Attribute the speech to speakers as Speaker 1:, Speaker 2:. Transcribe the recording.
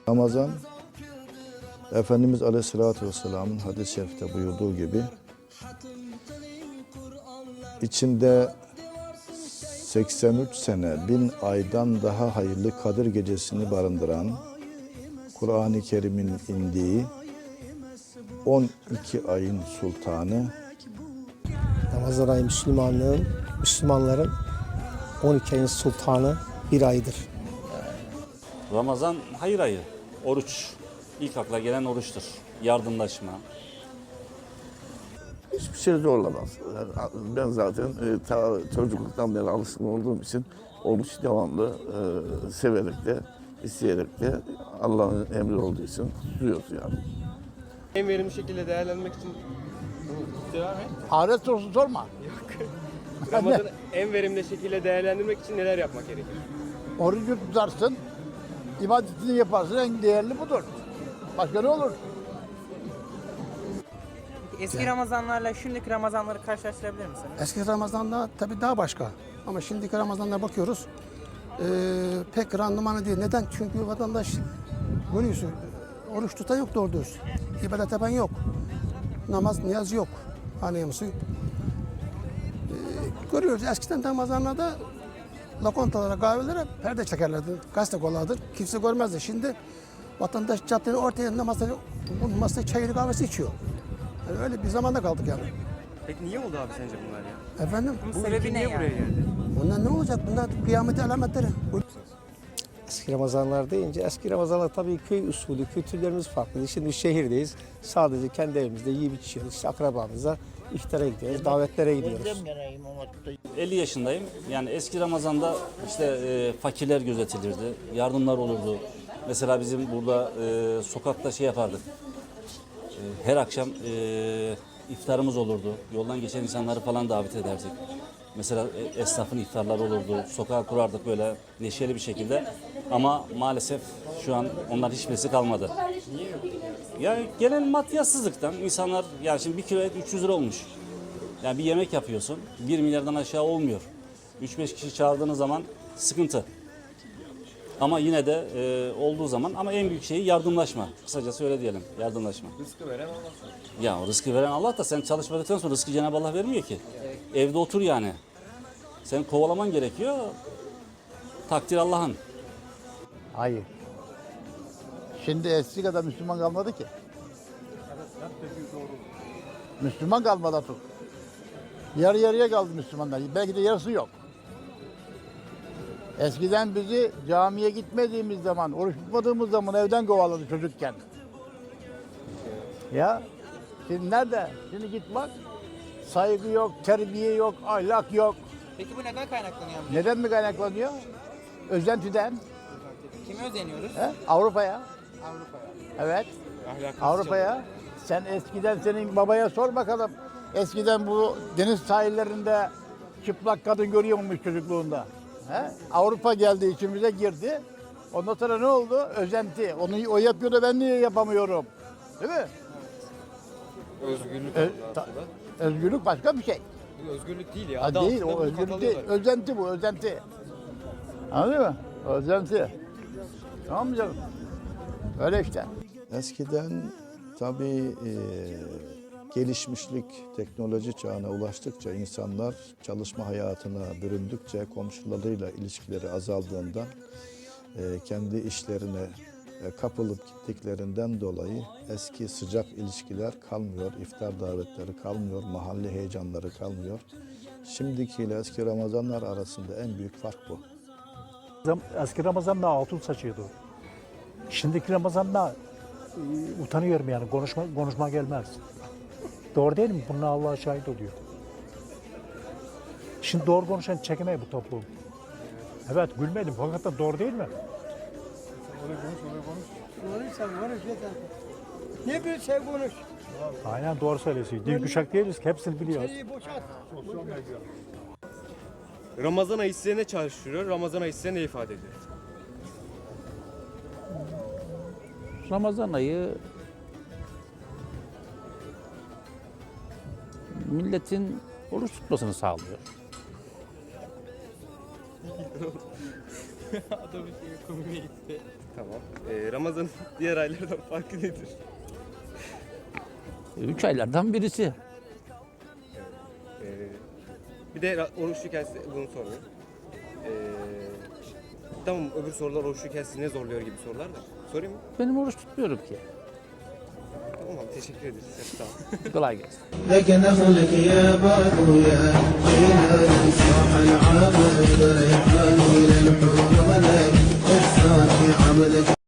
Speaker 1: Ramazan, Efendimiz Aleyhisselatü Vesselam'ın hadis-i şerifte buyurduğu gibi içinde 83 sene, 1000 aydan daha hayırlı Kadir Gecesi'ni barındıran, Kur'an-ı Kerim'in indiği 12 ayın sultanı.
Speaker 2: Ramazan ayı Müslümanların 12 ayın sultanı bir aydır.
Speaker 3: Ramazan hayır ayı, oruç. İlk akla gelen oruçtur. Yardımlaşma.
Speaker 4: Hiçbir şey zorlamaz. Yani ben zaten çocukluktan beri alışkın olduğum için oruç devamlı severek de, isteyerek de Allah'ın emri olduğu için tutuyoruz yani.
Speaker 5: En verimli şekilde değerlendirmek için devam et.
Speaker 6: Ahiret sorusu sorma.
Speaker 5: Ramazan'ı en verimli şekilde değerlendirmek için neler yapmak gerekir?
Speaker 6: Orucu tutarsın, ibadetini yaparsın, en değerli budur. Başka ne olur?
Speaker 7: Eski Ramazanlarla şimdiki Ramazanları karşılaştırabilir misiniz?
Speaker 2: Eski Ramazan'da tabii daha başka. Ama şimdiki Ramazan'da bakıyoruz pek randımanı değil. Neden? Çünkü vatandaş görüyorsun oruç tutan yok doğru düz. İbadet yapan yok. Namaz, niyaz yok. Anlıyor musun? Görüyoruz eskiden Ramazanlarda lokantalara, kahvelere perde çekerlerdi. Gazete kollardı. Kimse görmezdi. Şimdi vatandaş caddenin ortaya masada çayını kahvesi içiyor. Yani öyle bir zamanda kaldık yani.
Speaker 5: Peki niye oldu abi sence bunlar ya?
Speaker 2: Efendim?
Speaker 7: Bunun sebebi ne
Speaker 5: Niye buraya
Speaker 7: yani?
Speaker 5: geldi?
Speaker 2: Bunlar ne olacak? Bunlar kıyamet alametleri. Eski Ramazanlar deyince, eski Ramazanlar tabii köy usulü, kültürlerimiz farklı. Şimdi şehirdeyiz. Sadece kendi evimizde yiyip içiyoruz. İşte akrabamızla iftara gidiyoruz, davetlere gidiyoruz.
Speaker 3: 50 yaşındayım. Yani eski Ramazan'da işte fakirler gözetilirdi, yardımlar olurdu. Mesela bizim burada sokakta şey yapardık. Her akşam iftarımız olurdu. Yoldan geçen insanları falan davet ederdik. Mesela esnafın iftarları olurdu. Sokağa kurardık böyle neşeli bir şekilde. Ama maalesef şu an onlar hiçbirisi kalmadı. Yani genel maddiyatsızlıktan insanlar, yani şimdi 1 kilo et 300 lira olmuş. Yani bir yemek yapıyorsun, 1 milyardan aşağı olmuyor. 3-5 kişi çağırdığınız zaman sıkıntı. Ama yine de olduğu zaman, ama en büyük şeyi yardımlaşma. Kısacası öyle diyelim, yardımlaşma.
Speaker 5: Rızkı veren Allah.
Speaker 3: Ya o rızkı veren Allah da sen çalışmadıktan sonra rızkı Cenab-ı Allah vermiyor ki. Evde otur yani. Sen kovalaman gerekiyor. Takdir Allah'ın.
Speaker 6: Hayır. Şimdi eski kadar Müslüman kalmadı ki. Müslüman kalmadı artık. Yarı yarıya kaldı Müslümanlar. Belki de yarısı yok. Eskiden bizi camiye gitmediğimiz zaman, oruç tutmadığımız zaman evden kovaladı çocukken. Ya, şimdi nerede? Şimdi git bak, saygı yok, terbiye yok, ahlak yok.
Speaker 7: Peki bu neden kaynaklanıyor amca?
Speaker 6: Neden mi kaynaklanıyor? Özentiden.
Speaker 7: Kime özeniyoruz?
Speaker 6: Avrupa'ya.
Speaker 7: Avrupa'ya.
Speaker 6: Evet,
Speaker 5: Ahlaksız
Speaker 6: Avrupa'ya. Sen eskiden senin babaya sor bakalım. Eskiden bu deniz sahillerinde çıplak kadın görüyor muymuş çocukluğunda? He? Avrupa geldi, içimize girdi. Ondan sonra ne oldu? Özenti. Onu o yapıyor da ben niye yapamıyorum? Değil mi?
Speaker 5: Özgürlük
Speaker 6: Özgürlük başka bir şey.
Speaker 5: Bu özgürlük değil ya.
Speaker 6: Ha,
Speaker 5: Adı
Speaker 6: değil,
Speaker 5: altında
Speaker 6: o
Speaker 5: bunu
Speaker 6: özgürlük değil.
Speaker 5: katalıyorlar.
Speaker 6: Özenti bu, özenti. Anladın mı? Özenti. Tamam mı canım? Öyle işte.
Speaker 1: Eskiden tabii gelişmişlik, teknoloji çağına ulaştıkça insanlar çalışma hayatına büründükçe komşularıyla ilişkileri azaldığından kendi işlerine kapılıp gittiklerinden dolayı eski sıcak ilişkiler kalmıyor, iftar davetleri kalmıyor, mahalle heyecanları kalmıyor. Şimdikiyle eski Ramazanlar arasında en büyük fark bu.
Speaker 8: Eski Ramazan'da altın saçıyordu. Şimdiki Ramazan'da utanıyorum yani konuşma gelmez. Doğru değil mi? Bununla Allah şahit oluyor. Şimdi doğru konuşan çekemeyi bu toplum. Evet gülmedim fakat doğru değil mi?
Speaker 6: Ne bir şey konuş.
Speaker 8: Aynen doğru söylüyorsun. Dil kuşak değiliz ki hepsini biliyoruz.
Speaker 5: Ramazan ayı size ne çağrıştırıyor? Ramazan ayı size ne ifade ediyor?
Speaker 9: Ramazan ayı milletin oruç tutmasını sağlıyor.
Speaker 5: Adamın şey komiğe gitti. Tamam. Ramazan'ın diğer aylardan farkı nedir?
Speaker 9: 3 aylardan birisi.
Speaker 5: Ee, bir de oruçluyken size bunu sorayım. Tamam, öbür sorular oruçluyken sizi ne zorluyor gibi sorular da. Sorayım mı?
Speaker 9: Benim oruç tutmuyorum ki.
Speaker 5: Tamam abi, teşekkür ederiz. Sağ olun.
Speaker 9: Kolay gelsin.
Speaker 10: لك نخلك يا باطو يا جيلان صاح العابد ريحان إلى الحور ملك الصافي عبدك